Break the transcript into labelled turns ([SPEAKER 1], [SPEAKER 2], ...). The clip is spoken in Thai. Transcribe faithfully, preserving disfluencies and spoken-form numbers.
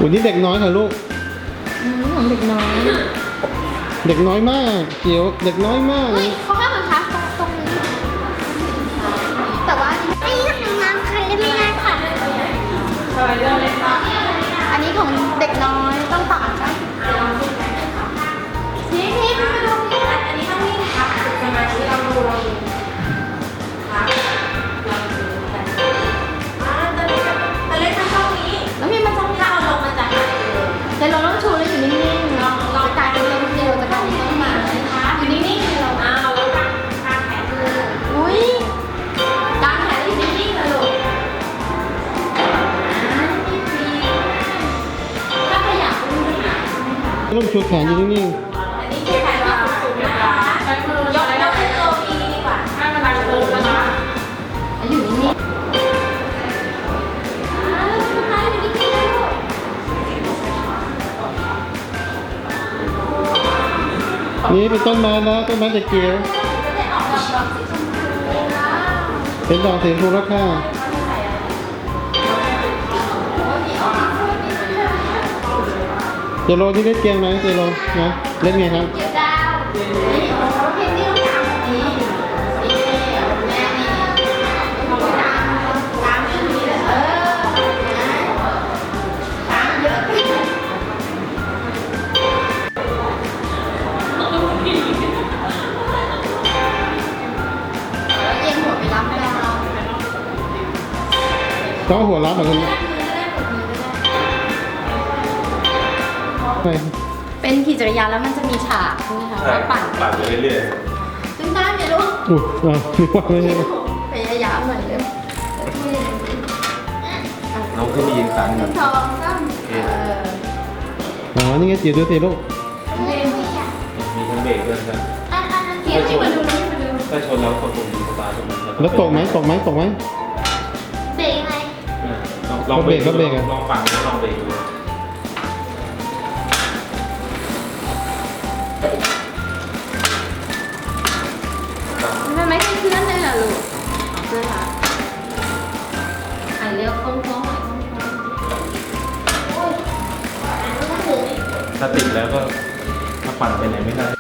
[SPEAKER 1] คุณนี่เด็กน้อยเหรอลูก
[SPEAKER 2] อืมของเด็กน้อย
[SPEAKER 1] เด็กน้อยมากเกียวเด็กน้อยมาก
[SPEAKER 2] เฮ้ยเขาให้มันพักตรงนี้แต่ว่าอันนี้ของน้ำค่ะเล่นไม่ได้ค่ะอันนี้ของเด็กน้อยต้องตัดนะทีนี้มาดูนี่อันนี้ต้องนี่นะคะฝึกสมาธิเราดูเราดูครับเราดูกันอ่าตอนนี้ตอนเล่นทางช่องนี้แล้วมีมันจะถ้าเอาลงมันจะหายเลยเดี๋ยวเราต้องชูแล้วอยู่นิ่งๆลองลองกายเป็นลมเดียวจะกลายเป็นต้นไม้อยู่นิ่งๆเราเอาแล้วกางกางแขนดูอุ้ยกางแขนอยู่นิ่งๆเลยลูกถ้าขยับก็ไม่หาย
[SPEAKER 1] ลูกชูแขนอยู่นิ่ง
[SPEAKER 2] อันนี้คือแขนที่สูงๆนะคะใช้มือยกยกขึ้นตัวนี้ดีกว่าให้มันดังโตนะคะอยู่นิ่งๆอ่าแล้วทำไมอยู่นิ่งๆเลยลูก
[SPEAKER 1] ๆนี่เป็นต้นไม้แล้วต้นไม้เด็กเกียว
[SPEAKER 2] จะได้ออกดอกดอกสีชมพูนะ
[SPEAKER 1] เป็นดอกสีชมพูแล้วค่ะ
[SPEAKER 2] โอ้ยมีออกสีชมพูมีชมพู
[SPEAKER 1] เจโรที่เล่นเกมไหมเจโรนะเล่นไงครับ
[SPEAKER 2] เดี๋ยวดาวนี่โอ้เพลงนี้ต้องตามนี่นี่แม่นี่เขาไปตามตามชื่อนี้เลยเออตามเยอะเย็นหัวไปรับไม่ได้เรา
[SPEAKER 1] ต้องหัวรับเหมือนกันไป
[SPEAKER 2] เป็นขี่จักรยานแล้วมันจะมีฉากใช่ไหมคะไว้ปั่น
[SPEAKER 3] ปั่นไปเรื่อย
[SPEAKER 2] ซึ่งได้ไหมลูก
[SPEAKER 1] อุ้ยว้าวนึกว่าไม่ใช่
[SPEAKER 2] พยายามหน่อยเร็ว
[SPEAKER 3] ๆน้องขึ้นไปยืนครั้ง
[SPEAKER 2] ห
[SPEAKER 3] ห
[SPEAKER 2] นึ่
[SPEAKER 3] นึ่
[SPEAKER 2] ง
[SPEAKER 3] ง
[SPEAKER 2] สองสามเออ
[SPEAKER 1] อ๋อนี่ไงเจียวดูสิลูก
[SPEAKER 2] เล่น
[SPEAKER 3] มีทั้งเบรกด้วยครับ
[SPEAKER 2] อันอันอันเทียบที่มาดูนี่มาดู
[SPEAKER 3] ถ้าชนแล้วกดปุ่มสตาร์ทตรงนั้น
[SPEAKER 1] แล้วตกไหมตกไหมตกไหม
[SPEAKER 2] เบรกยังไง
[SPEAKER 3] อ่าลองลองเบรก
[SPEAKER 1] ก็เบรกอะ
[SPEAKER 3] ลองปั่นแล้วลองเบรกดู
[SPEAKER 2] มันไม่ใช่เพื่อนเลยเหรอลูกเพื่อนค่ะไอเร็วโค้งโค้งหน่อยโค้งโค้งโอ้ยอันนี้ก็ถึง
[SPEAKER 3] ถ้าติดแล้วก็ถ้าปั่นไปไหนไม่ได้